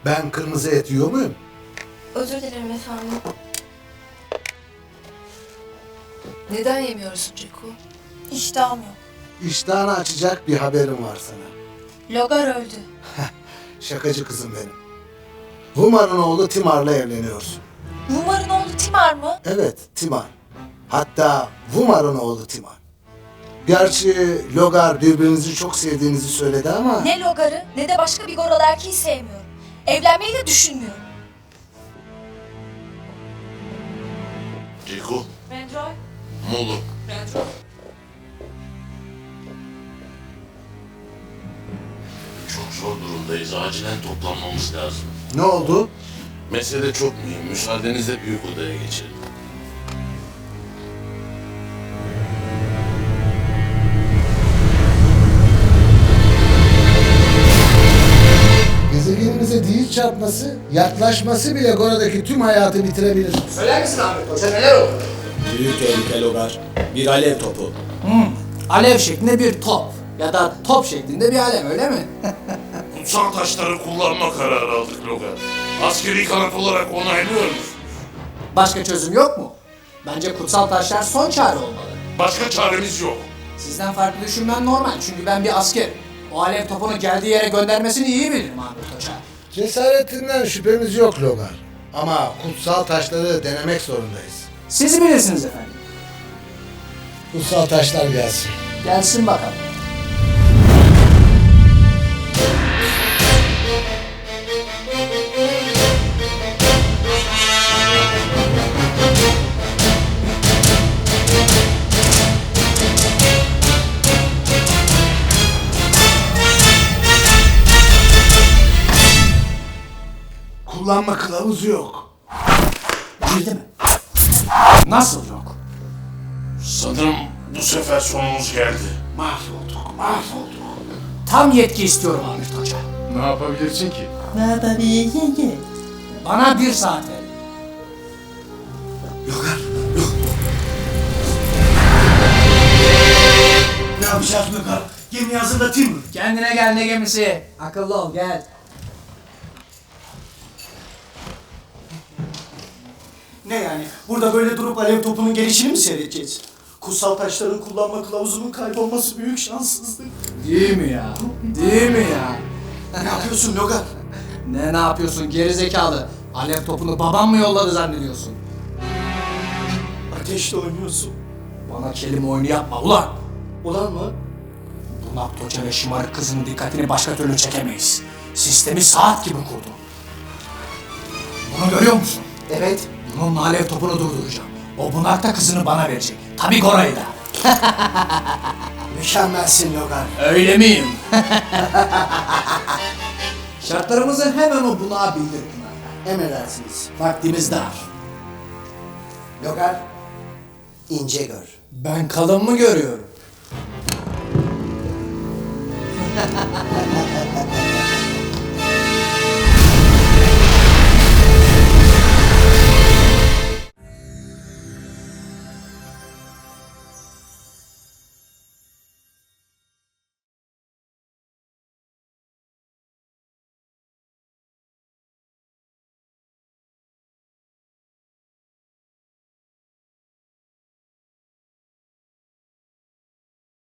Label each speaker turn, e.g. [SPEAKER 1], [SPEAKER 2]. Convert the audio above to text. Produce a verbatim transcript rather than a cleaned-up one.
[SPEAKER 1] Ben kırmızı et yiyor muyum?
[SPEAKER 2] Özür dilerim efendim.
[SPEAKER 3] Neden yemiyorsun Ceko?
[SPEAKER 2] İştahım yok.
[SPEAKER 1] İştahını açacak bir haberim var sana.
[SPEAKER 2] Logar öldü.
[SPEAKER 1] Şakacı kızım benim. Vumar'ın oğlu Timar'la evleniyorsun.
[SPEAKER 2] Vumar'ın oğlu Timar mı?
[SPEAKER 1] Evet, Timar. Hatta Vumar'ın oğlu Timar. Gerçi Logar birbirinizi çok sevdiğinizi söyledi ama...
[SPEAKER 2] Ne Logar'ı ne de başka bir goral erkeği sevmiyorum. Evlenmeyi de düşünmüyorum.
[SPEAKER 4] Ceko,
[SPEAKER 2] Benjoy.
[SPEAKER 4] Molu.
[SPEAKER 2] Benjoy.
[SPEAKER 4] Çok zor durumdayız. Acilen toplanmamız lazım.
[SPEAKER 1] Ne oldu?
[SPEAKER 4] Mesele çok mühim. Müsaadenizle büyük odaya geçelim.
[SPEAKER 1] Gezegenimize değil çarpması, yaklaşması bile Gora'daki tüm hayatı bitirebilir.
[SPEAKER 5] Söyler misin Ahmet Hoca neler oldu?
[SPEAKER 6] Büyük tehlike Logar. Bir alev topu.
[SPEAKER 5] Hmm, alev şeklinde bir top. Ya da top şeklinde bir alev öyle mi?
[SPEAKER 4] Kutsal taşları kullanma kararı aldık Logan. Askeri kanat olarak onaylıyoruz.
[SPEAKER 5] Başka çözüm yok mu? Bence kutsal taşlar son çare olmalı.
[SPEAKER 4] Başka çaremiz yok.
[SPEAKER 5] Sizden farklı düşünmem normal çünkü ben bir askerim. O alev topunu geldiği yere göndermesini iyi bilirim Ahmet Hoca.
[SPEAKER 1] Cesaretinden şüphemiz yok Logar. Ama kutsal taşları denemek zorundayız.
[SPEAKER 5] Siz bilirsiniz efendim.
[SPEAKER 1] Kutsal taşlar gelsin.
[SPEAKER 5] Gelsin bakalım.
[SPEAKER 1] Kullanma kılavuzu yok.
[SPEAKER 5] Girdi mi? Nasıl yok?
[SPEAKER 4] Sanırım bu sefer sonumuz geldi.
[SPEAKER 1] Mahvolduk, mahvolduk.
[SPEAKER 5] Tam yetki istiyorum Ahmet Hoca.
[SPEAKER 4] Ne yapabilirsin ki?
[SPEAKER 5] Bana bir saat verin.
[SPEAKER 1] Logar,
[SPEAKER 7] Ne yapacağız Logar? Gemi hazırlatayım mı?
[SPEAKER 5] Kendine gel ne gemisi. Akıllı ol gel.
[SPEAKER 7] Ne yani? Burada böyle durup alev topunun gelişini mi seyredeceğiz? Kutsal taşların kullanma kılavuzunun kaybolması büyük şanssızlık.
[SPEAKER 5] Değil mi ya? Değil mi ya?
[SPEAKER 7] Ne yapıyorsun Logar?
[SPEAKER 5] Ne ne yapıyorsun geri zekalı? Alev topunu babam mı yolladı zannediyorsun?
[SPEAKER 7] Ateşle oynuyorsun.
[SPEAKER 5] Bana kelime oyunu yapma ulan.
[SPEAKER 7] Ulan mı?
[SPEAKER 5] Bunak Hoca ve şımarık kızın dikkatini başka türlü çekemeyiz. Sistemi saat gibi kurdu. Bunu görüyor musun?
[SPEAKER 7] Evet.
[SPEAKER 5] Bununla alev topunu durduracağım. O bunak da kızını bana verecek. Tabii Gora'yı da.
[SPEAKER 7] Mükemmelsin Logar.
[SPEAKER 5] Öyle miyim? Şartlarımızı hemen o bunağa bildir Pınar.
[SPEAKER 7] Emredersiniz.
[SPEAKER 5] Vaktimiz dar.
[SPEAKER 7] Logar, ince gör.
[SPEAKER 5] Ben kalın mı görüyorum?